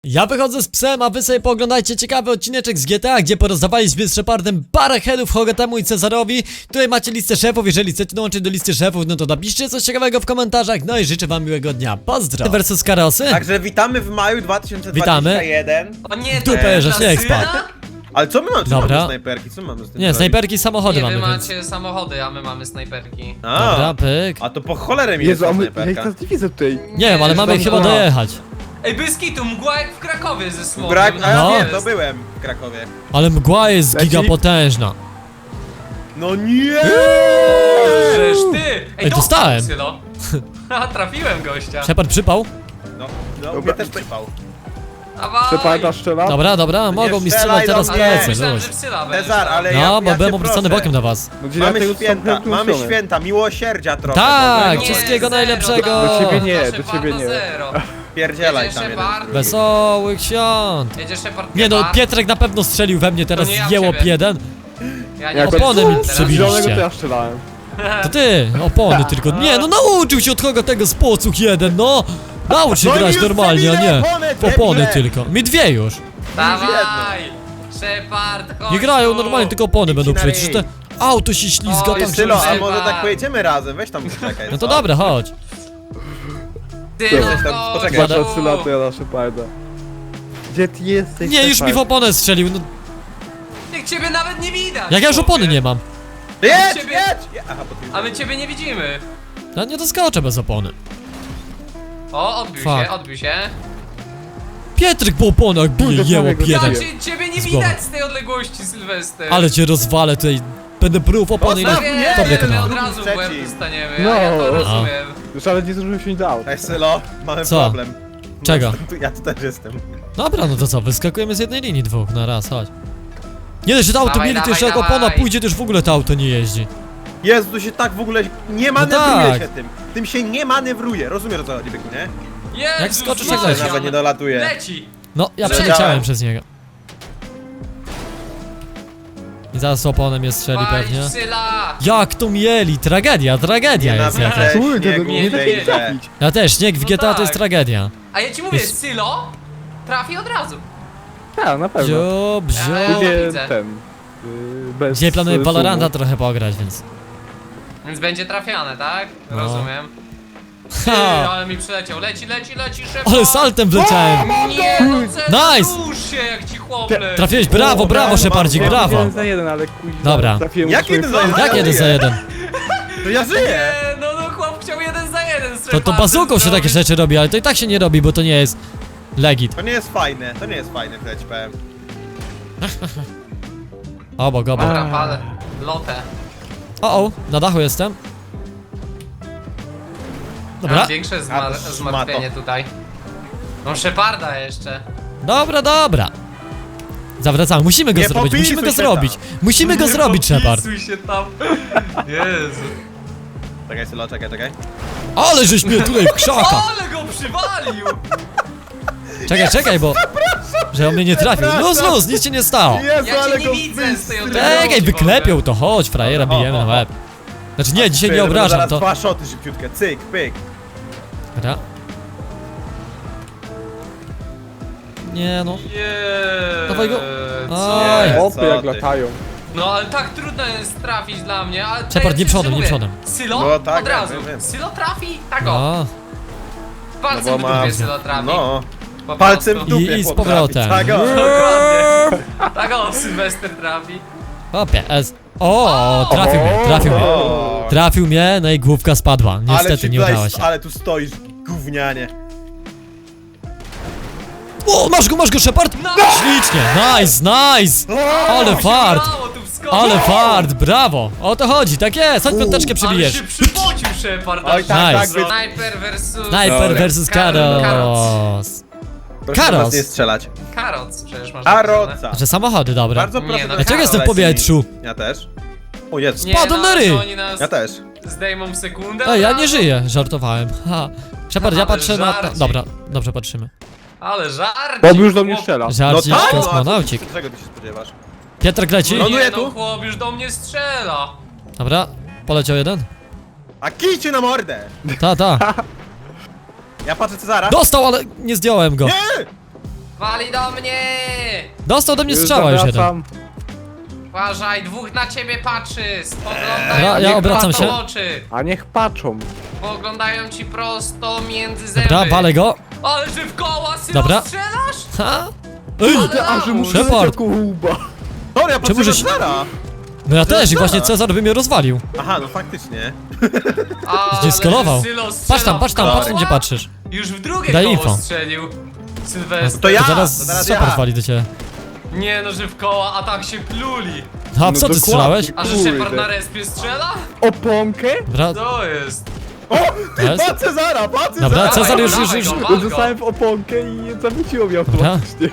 Ja wychodzę z psem, a wy sobie pooglądajcie ciekawy odcineczek z GTA, gdzie porozdawaliśmy z Shepardem parę headów Hogatemu i Cezarowi. Tutaj macie listę szefów, jeżeli chcecie dołączyć do listy szefów, no to napiszcie coś ciekawego w komentarzach, no i życzę wam miłego dnia. Pozdro! Versus Karosy. Także witamy w maju 2021. O nie, Dupę, że śnieg spadł. Ale co my mamy? Czy Dobra. mamy snajperki? Co mamy z tym Nie, zrobić? snajperki i samochody Nie, wy mamy, więc... macie samochody, a my mamy snajperki. Dobra, pyk. A to po cholerę mi jest Jezu, ta a my, ja ich snajperka. teraz nie widzę tutaj. Nie wiem, ale mamy tam chyba mgła. dojechać. Ej, bez kitu, mgła jak w Krakowie ze smogiem. Brak, a ja No. wiem, to byłem w Krakowie. Ale mgła jest Leci. gigapotężna. No nie! Żeż ty! Ej, dostałem. Sylo. Ha, trafiłem gościa. Shepard przypał? No, mnie Dobra. też przypał. Dawaj. Przepada strzela? Dobra, mogą mi strzelaj strzelać do teraz mnie. plecy, Myślałem, luź. że w Syla będziesz Cezar, tam. ale No, ja bo byłem cię obracany proszę. bokiem do was. No, gdzie ja Mamy tego święta, sam mamy kręcony. święta, miłosierdzia trochę. Tak, Boże. wszystkiego zero, najlepszego. no, Do ciebie nie, proszę, do ciebie nie. zero. Pierdzielaj Jedzie tam jeden. Shepard. Wesołych świąt. Jedzie Shepard. Nie no, kebab. Pietrek na pewno strzelił we mnie teraz To nie ja w jełop ciebie. jeden. Ja Jak opony mi teraz. przebiliście. Zielonego to ja strzelałem. To ty, opony tylko. Nie no, nauczył się od kogo tego spocuch jeden, no. Naucz się No i grać już normalnie, a nie przebile opony, w opony debile. tylko. Mi dwie już. Dawaj! Shepard, chodź Nie grają tu. normalnie, tylko opony będą na przecież. ryj. Te auto się ślizga O, tak, jest że... Sylo, a Shepard. może tak pojedziemy razem? Weź tam czekaj. No to dobra, chodź. Ty, Coś tam, no, poczekaj. chodź Patrz tu. od Syla, to ja na Sheparda. Gdzie ty jesteś? Nie, już mi w Shepard? oponę strzelił, no. Jak ciebie nawet nie widać! Jak ja już chłopie. opony nie mam. Jedź, Ciebie- jedź! Aha, bo ty... A my ciebie nie widzimy. Ja nie doskoczę bez opony. O, odbił Fuck. się, odbił się. Pietrek po oponach bije, Kurde, jełop samego jeden. zabiję. Ciebie nie Z głowy. widać z tej odległości, Sylwester. Ale cię rozwalę tutaj. Będę pruł w opony i Zostaw na... mnie! Dobre my kanał. od razu w łeb Trzeci. dostaniemy, No. ja to A. rozumiem. Już ale nie zdążyłem się dał. Ej, Sylo, mamy Co? problem. Czego? Ja tu też jestem. Dobra, no to co, wyskakujemy z jednej linii dwóch na raz, chodź. Nie dość, że to auto Dawaj, mieli, to dawaj, jeszcze jak dawaj. opona pójdzie, to już w ogóle to auto nie jeździ. Jezu, tu się tak w ogóle nie No manewruje tak. się tym. Tym się nie manewruje. Rozumiesz o co chodzi, Byku, nie? Jezus Jak skoczysz, Maria. jak leci. Nawet nie dolatuje. Leci! No, ja Leciałem. przeleciałem przez niego. I zaraz oponę mnie strzeli pewnie. Walić Syla! Jak to mieli? Tragedia jest jakaś. Nienawidzę Kurde, śniegu nie w da tej się grze. trafić. Ja też, śnieg w No GTA to jest tak. tragedia. A ja ci mówię, Jest- Sylo trafi od razu. Tak, na pewno. Bzio, bzio. Ja Lubię widzę. ten. Bez Dzisiaj planuję sumu. Valoranta trochę pograć, więc... Więc będzie trafiane, tak? No. Rozumiem. Ty, Ha! ale mi przyleciał. Leci, Shepard! Ale saltem wleciałem! Nie, no Cezar, Nice! rusz się jak ci chłopnę! Trafiłeś, brawo, brawo, Szepardzik, brawo. brawo! 1 za 1, ale kuźwa. Dobra. Trafiłem Jak swoje 1 za 1? flanki. Jak jeden za jeden? To ja żyję! Nie, no chłop chciał 1 za 1 z To Shepardem bazuką się takie zrobić. rzeczy robi, ale to i tak się nie robi, bo to nie jest... Legit. To nie jest fajne, to nie jest fajne, tyle ci powiem. Obok. Dobra, palę. Lotę. O, na dachu jestem. Dobra, Mam większe A, to zmartwienie szmato. tutaj. Mam Sheparda jeszcze. dobra. Zawracamy, musimy go Nie zrobić, popisuj musimy go się zrobić. tam. Musimy go zrobić, Shepard. Popisuj się tam. Jezu. Czekaj, Sylo, czekaj. Ale żeś mnie tutaj w krzaka. Ale go przywalił! Czekaj, bo... Że on mnie nie trafił. Luz, nic się nie stało. Jezu, Ja cię ale nie go widzę z tej wystrylił. odległości. Czekaj, wyklepią to, chodź, frajera, bijemy na łeb. Znaczy nie, dzisiaj nie obrażam, Zaraz to... dwa szoty szybciutkie, cyk, pyk. Dobra. Nie no. Nie. Dawaj go. Co? Oj. Nie, Opy co jak ty. latają. No ale tak trudno jest trafić dla mnie, ale... Shepard, nie przodem, nie mówię, przodem. Sylo? No tak, od razu. wiem. Sylo trafi? Tak o. No. Palcem w dupie Sylo trafi. No, Po palcem w prostu. dupie I z chłop powrotem. trafi. Tak, o. Dokładnie. Tak o, Sylwester trafi. Hopie, O, trafił mnie. O. Trafił mnie, no i główka spadła. Ale Niestety ci nie tutaj- udało się. Ale tu stoisz, gównianie. O, masz go, Shepard! No. Ślicznie, nice! Ale fart! Udało tu wskoczyć. Ale fart, brawo! O to chodzi, tak jest, chodź piąteczkę Ale przybijesz. się przypocił Shepard. Oj, tak, Nice. tak, wy... Sniper versus... Sniper Dobra. versus Karos. Proszę Karos. nas nie strzelać. Karoc przecież masz napisane. Karoca. Że samochody, dobra. Bardzo Nie, proszę. no Dlaczego jestem w Karola, powietrzu? Ja też. O Jezu. Nie, Spadłem no, na ryj. że oni nas Ja też. zdejmą w sekundę. Ej, ja od nie razu. żyję, żartowałem. Ha. Shepard, ja Ale patrzę na... żarcik. Dobra, dobrze patrzymy. Ale żart. Bob już do mnie strzela. Żarcik, tak, kosmonaucik. Czego ty się spodziewasz? Pietrek leci. No. Ląduje Nie, no tu? chłop już do mnie strzela. Dobra, poleciał jeden. A kijcie na mordę! Ta. Ja patrzę Cezara. Dostał, ale nie zdjąłem go. Nie! Wali do mnie! Dostał do mnie Już strzała już jeden. zawracam. Uważaj, dwóch na ciebie patrzy! Spoglądają Dobra, ja ci obracam prosto się. w oczy! A niech patrzą. Poglądają ci prosto między zęby! Dobra, walę go. Ale że w koła, Sylo, Dobra. strzelasz? Ha? Ej! Ale A że muszę Shepard. lecieć łba. Dobra, ja Czemu patrzę żeś- na Cezara. No ja też i właśnie Cezar by mnie rozwalił. Aha, no faktycznie. Ale Gdzie skalował? że Sylo Patrz strzela tam, w patrz tam, koła. patrz tam gdzie patrzysz. Już w drugie Daj koło info. strzelił. Sylwester. To ja! To zaraz to teraz Shepard ja. wali do ciebie. Nie no, że w koła, a tak się pluli. A No co ty dokładnie. strzelałeś? A że Kurde. Shepard na respie strzela? Oponkę? Dobra, To jest. O, ty, Jest? patrz Cezara, patrz Cezara! Dobra, Cezar Dawaj, już- dawaj już- go, już- wal go. Dostałem w oponkę i zawróciło mnie automatycznie.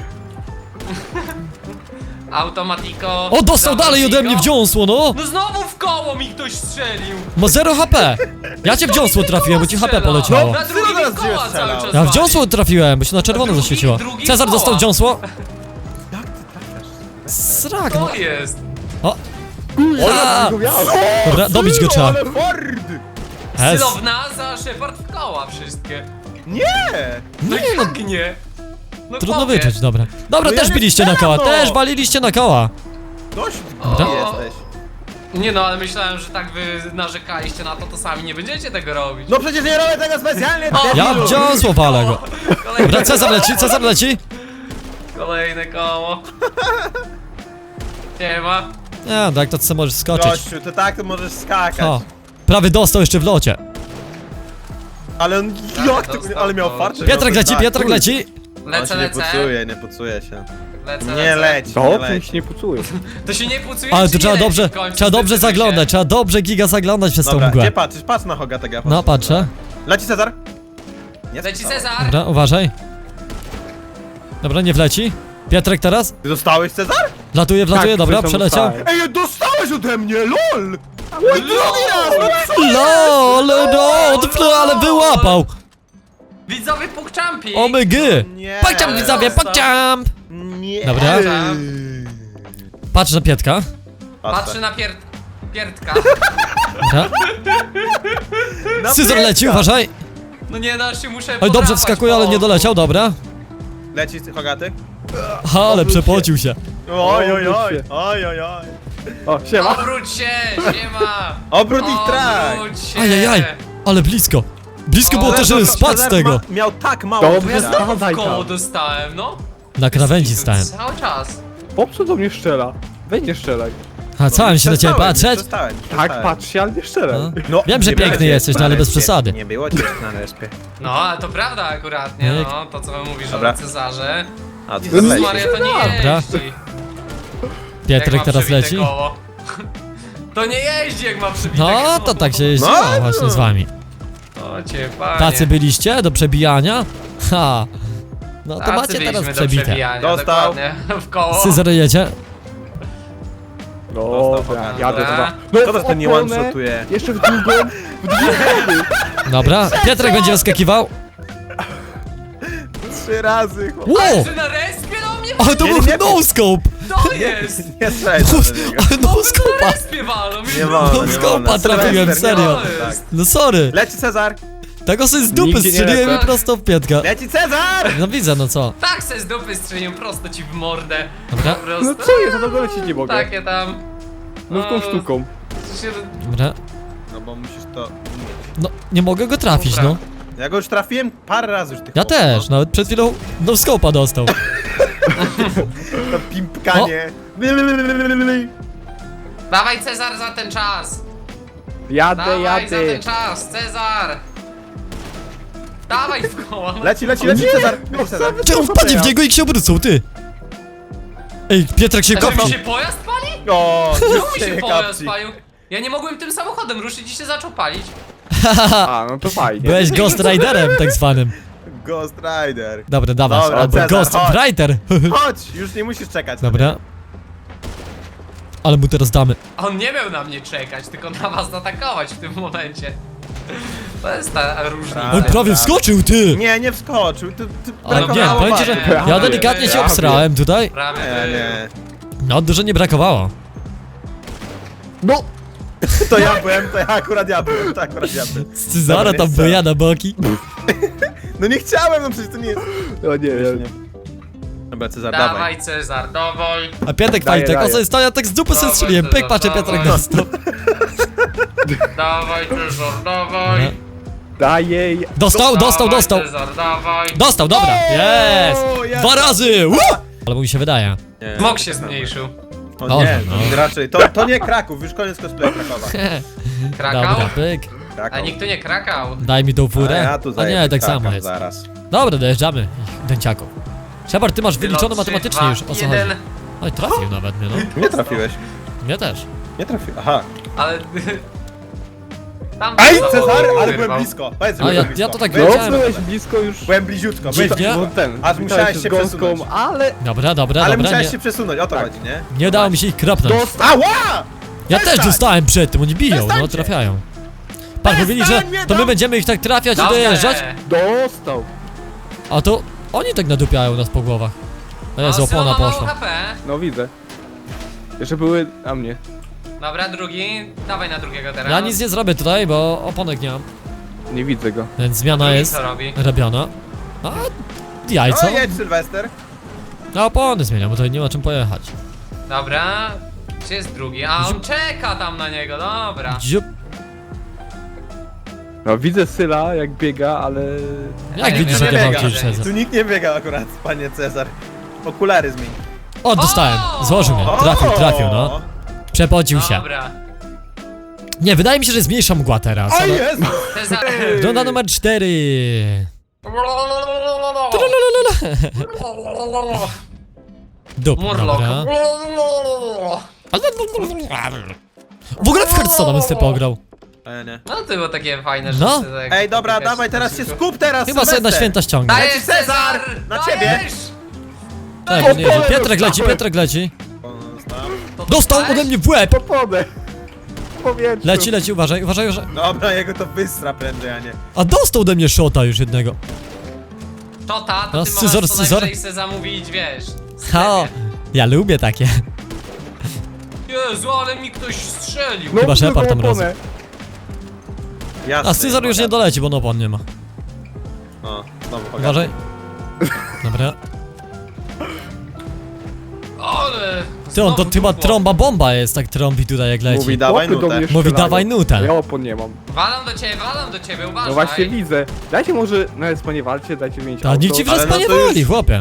Automatiko. O, dostał dalej ode mnie w dziąsło, no! No znowu w koło mi ktoś strzelił. Ma 0 HP! Ja cię w dziąsło trafiłem, bo ci HP poleciało. Na drugi Sylo mi koła teraz cały strzelał. czas Ja w wali. dziąsło trafiłem, bo się na czerwono drugi- zaświeciło. drugi Cezar koła. dostał dziąsło. Jak ty trafiasz? Srak, no. To jest. O, Ja A! go miałem. dobra, dobić go trzeba. Ale Ford! Es. Sylo w nas, a Shepard w koła wszystkie. Nie! No Nie, i no, jak nie? No trudno chłopie. wyczuć, dobra. Dobra, No ja też nie biliście na koła, strzelam, no. też waliliście na koła. Dość, Dobra. gdzie jesteś? Nie no, ale myślałem, że tak wy narzekaliście na to, to sami nie będziecie tego robić. No przecież nie robię tego specjalnie, O! Ja debilu. w dziąsło walę go. Kolejne, Dobra, Cezar leci, Cezar leci. kolejne koło. Nie ma. Nie, tak to co możesz skoczyć. Gościu, to tak to możesz skakać. O, prawie dostał jeszcze w locie. Ale on, jak to, dostał ale miał to. farcie. Piotrek leci, Tak, Piotrek kurde. leci. On Lecę, się nie lecę. pucuje, nie pucuje się. Lecę, Nie lecę. leć, nie To leć. się nie pucuje. To się nie pucuje, Ale czy tu nie trzeba leci dobrze, w końcu? trzeba dobrze Zdecydujcie. zaglądać, trzeba dobrze giga zaglądać przez tą Dobra, mgłę. gdzie patrzysz? Patrz na Hogatego. ja No, patrzę. Leci Cezar. Nie Leci zostało. Cezar. Dobra, uważaj. Dobra, nie wleci. Piotrek teraz? Ty dostałeś Cezar? Wlatuje, wlatuje, Tak, dobra, coś tam przeleciał. dostałem. Ej, dostałeś ode mnie, lol! Mój drugi raz! LOL, no, ale wyłapał. Widzowie pukczampi. Omygy. Nie. Pokciam widzowie, pokciam. Nie. Dobra. Patrz na Pietka. Patrzy na pierdka. Dobra. Na Scyzor Pietka. leci, uważaj. No nie da się, muszę Oj, dobrze podrapać wskakuje, ale po nie oku. doleciał, dobra. Leci Hogaty? Ale przepocił się. Oj, oj, oj, Obróć się. oj, oj, oj. O, siema. Obróć się, siema. Obrót ich trak. Obróć się. Ajajaj, ale blisko. Blisko O, było to, żeby spadł z tego. Miał tak mało Dobrze, Bo ja życia. znowu Spadaj w koło tam. dostałem, no. Na krawędzi stałem. Cały czas. Popsu do mnie strzela. Weź nie strzelaj. A co mam się na ciebie patrzeć? Tak, patrz się, ale nie strzelaj. No. Wiem, że nie piękny było cię jesteś, no na ale bez respie. przesady. Nie było cię na respie. No, ale to prawda akurat, nie Myk. no. To co mówisz Dobra. o Cezarze. A co Jezus leci? Maria, to nie Dobra. jeździ. Pietrek Jak ma teraz przebite leci. koło. To nie jeździ, jak ma przebite No, koło. to tak się jeździło No. właśnie z wami. O cię, panie. Tacy byliście do przebijania? Ha. No to Tacy macie byliśmy teraz do przebite. przebijania, Dostał. dokładnie. W koło. Scyzor jedzie. Dobra, jadę Dobra. dwa. Co to w ten nie oponę, one-shotuje? Jeszcze w drugą, w dwie strony. Dobra, Pietrek będzie wyskakiwał. 3 razy, chłop. Wow! Że na respie do mnie? Ale to Nie, był nie, no scope! To jest! Nie strzelaj do niego. Ale no Na scope'a! respie walą. Nie wolno, No nie skopa wolno. trafiłem, Sylwester, nie serio. wolno, tak. No sorry. Leci Cezar! Tego sobie z dupy Nigdzie nie strzeliłem i lecę. prosto w Pietka. Leci Cezar! No widzę, no co. Tak se z dupy strzelił prosto ci w mordę. Dobra. Po prostu. No co jest, ja tam lecieć nie mogę. Takie tam. Nówką sztuką. Się... Dobra. No bo musisz to... No, nie mogę go trafić, Dobra. no. Ja go już trafiłem parę razy już tych Ja chłopów, też, nawet przed chwilą no scope'a dostał. No. To pimpkanie. Dawaj Cezar za ten czas. Jadę, Dawaj za jadę. ten czas, Cezar. Dawaj w koło. Leci Cezar! Leci Cezar! Czemu wpadnie w niego i się obrócą, ty? Ej, Pietrek się A żeby kopnął. się pojazd pali? O, Czemu już mi się nie pojazd kapci. palił? Ja nie mogłem tym samochodem ruszyć i się zaczął palić. A, no to fajnie. Byłeś Ghost Riderem tak zwanym. Ghost Rider. Dobra, dawaj. Dobra, Albo Cezar, Ghost chodź. Rider. Chodź, już nie musisz czekać. Dobra. Ale mu teraz damy. On nie miał na mnie czekać, tylko na was atakować w tym momencie. To jest ta różnica. Oj, prawie wskoczył, ty! Nie wskoczył. Ty Ale nie, brakowało powiem ci, że wagi. ja delikatnie się Prawie. obsrałem tutaj. Prawie Nie. No, dużo nie brakowało. No! To ja byłem, to akurat ja byłem. Z Cezara Dobra, tam jest byja na boki. No nie chciałem, no przecież to nie jest... No nie, Wiesz, ja... nie. Dobra, Cezar, dawaj. Dawaj Cezar, dawaj. A Pietrek Daję, Fajtek, o daję. co jest to? Ja tak z dupy sobie Dawaj, strzeliłem. Pyk, Cezar, patrzę, Pietrek dawaj. dostał. Dawaj Cezar, dawaj. Daj jej. Dostał. Cezar, dawaj. Dostał, dobra. Jest! jest. 2 razy! Albo mi się wydaje. Nie. Smok się zmniejszył. O Dobrze, nie, no. raczej. To nie Kraków, już koniec cosplay Krakowa. Krakał? Dobra, pyk. A Kraków. nikt tu nie krakał. Daj mi tą A furę. ja tu A zajebę nie, tak Kraków samo jest. zaraz. Dobra, dojeżdżamy ich dęciaków. Shepard, ty masz wyliczone Wylot, 3, matematycznie 2, już, o co 1. chodzi? Oj, trafił nawet mnie, no. Nie trafiłeś. Mnie też. Nie trafiłeś. Aha. Ale... Tam Aj, to Cezar, ale wyrwał. byłem blisko. Powiedz, że A byłem ja blisko. to tak No, wiedziałem. byłeś blisko już. Byłem bliziutko, byłem Dziwnie. bliziutko. No ten. Aż musiałeś się z gąską, przesunąć. ale... Dobra, Ale nie, musiałeś się przesunąć, o to chodzi, nie? nie udało mi się ich kropnąć. Ała! Ja też Przestań! dostałem przed tym, oni biją, no Przestańcie! trafiają. Patrz, mówili, że Przestań mnie to my tam- będziemy ich tak trafiać i Dobrze. dojeżdżać, Dostał. a to oni tak nadupiają nas po głowach. O Jezu, No, opona Sylo ma mało poszła. HP. No widzę. Jeszcze były na mnie. Dobra, drugi. Dawaj na drugiego teraz. Ja nic nie zrobię tutaj, bo oponek nie mam. Nie widzę go. Więc zmiana Drugi jest co robi? robiona. A jajco? No jedź, Sylwester. A opony zmieniam, bo tutaj nie ma czym pojechać. Dobra. Gdzie jest drugi? A on czeka tam na niego, dobra. Dziup. No widzę Syla jak biega, ale... Jak nie widzisz, wiem, jak ja nie mam biega. kiedyś siedzę. Tu nikt nie biega akurat, panie Cezar. Okulary zmień. O, dostałem. Złożył mnie. Trafił, no. Przepocił się. Dobra. Nie, wydaje mi się, że jest mniejsza mgła teraz. O ale- jest! Cezar. Runda numer 4. Dup, Murloc. dobra. W ogóle w Hearthstone'a bym sobie pograł. Nie. No to było takie fajne, że No. sobie tak- Ej, dobra, tak dawaj, teraz się skup teraz, Chyba sobie na Sylwester. święta ściągnę. Dajesz Cezar! Na ciebie! Dajesz! Tak, nie, opole Pietrek leci, dostałem. Pietrek leci. To Dostał dostałeś? ode mnie w łeb! Popodę. Powietrzu. Leci, uważaj, uważaj. Dobra, jego to wystra prędzej, a nie. A dostał ode mnie shota już jednego. To ta, to No, ty scyzor, możesz co scyzor. najwyżej se zamówić, wiesz. Ha, ja lubię takie. Jezu, ale mi ktoś strzelił. No, Chyba Shepard tam drugą razem. oponę. Jasne. A Cezar już nie doleci, bo no opon nie ma. O, znowu pogadam. Uważaj. Dobra. Ale... Ty, on to znowu chyba dupło. trąba bomba jest, tak trąbi tutaj jak leci. Mówi dawaj Chłopy do nutę. mnie Mówi strzelają. dawaj nutę. Ja opon nie mam. Walam do ciebie, uważaj. No właśnie widzę. Dajcie może, no jest nie walcie, dajcie mieć A auto. nikt ci w Ale respa no nie to już- woli, chłopie.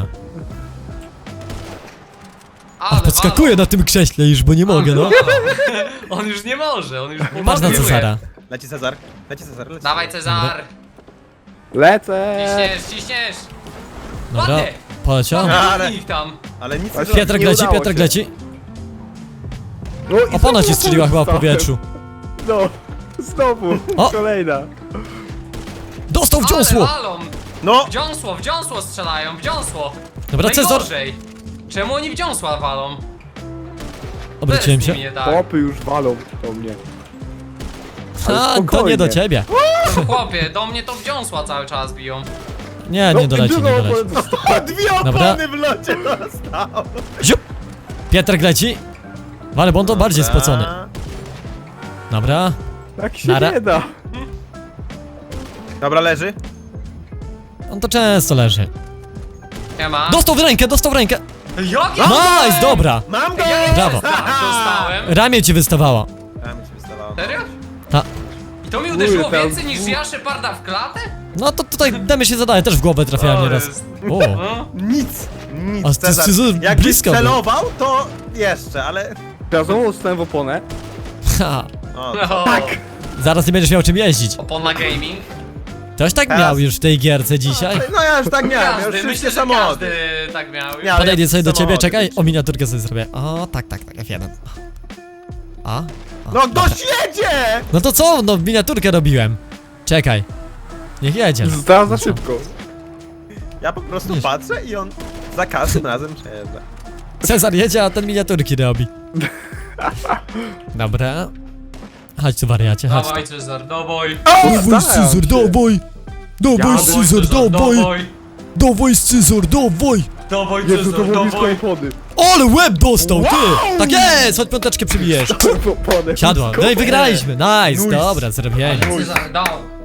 A Ale podskakuję na tym krześle już, bo nie mogę, no. On już nie może, on już Patrz na pomaguje. Cezara. Leci Cezar. Leci Cezar, leci. Dawaj Cezar. Lecę. Ciśniesz. Dobra, Ładnie. poleciał. Ale- Ich tam. Ale nic nie Ale zrobi. Pietrek Nie leci, udało Pietrek się. leci. No i Opona ci znowu strzeliła chyba w dostałem. powietrzu. No, znowu. O! Kolejna. Dostał w Ale dziąsło! walą. No! W dziąsło strzelają, w dziąsło. Dobra, Cezar. Najgorzej. Czemu oni w dziąsła walą? Obróciłem Co się. jest z nimi nie tak? Chłopy już walą do mnie. ale A, to nie spokojnie. do ciebie. No chłopie, do mnie to w dziąsła cały czas biją. Nie, nie doleci, nie drugą doleci. oponę dostałem. Dwie Dobra. opony w locie dostał. Ziup! Pietrek leci. Ale bo on to bardziej spocony. Dobra. Tak się Nara. nie da. Dobra, leży. On to często leży. Nie ma. Dostał w rękę, dostał w rękę. Jakie? Nice, dobra. Mam go! Brawo. Dostałem. Ramię ci wystawała. A, mi się wystawało. Serio? Ta. I to mi uderzyło Kurde, tam- więcej niż ja Sheparda w klatę? No to tutaj demy się zadaje, też w głowę trafiałem O, nieraz. jest. O, No. Nic. Nic, A Cezar. Cezar Jakbyś blisko był. celował, to jeszcze, ale... Teraz znowu dostałem w oponę. ha. O, No. Tak. Zaraz nie będziesz miał czym jeździć. Opona gaming. Ktoś tak Teraz. miał już w tej gierce dzisiaj? no ja już tak miałem, ja już Każdy, wszystkie myślę, że samochody. każdy tak miał. Nie, ale Podejdę ja sobie do ciebie, samochody czekaj, liczę. o miniaturkę sobie zrobię. O, tak, F1. A? No gość jedzie! No to co? No miniaturkę robiłem. Czekaj. Niech jedzie. no. Zdałem za szybko. Ja po prostu Nie. patrzę i on za każdym razem przejeżdża. Cezar jedzie, a ten miniaturki robi. Dobra. Chodź tu wariacie, chodź tu. Dawaj Cezar, dawaj. Dawaj Staram Cezar, się. dawaj! Dawaj Jadę. Cezar, dawaj! Dawaj Cezar, dawaj! Dawaj Jezu, to Cezar, było blisko dawaj. opony. Ale łeb dostał, ty! Tak jest! Chodź piąteczkę przybijesz. Opony. Siadła. No i wygraliśmy, nice, Nice. dobra, zrobienie. Cezar, dał.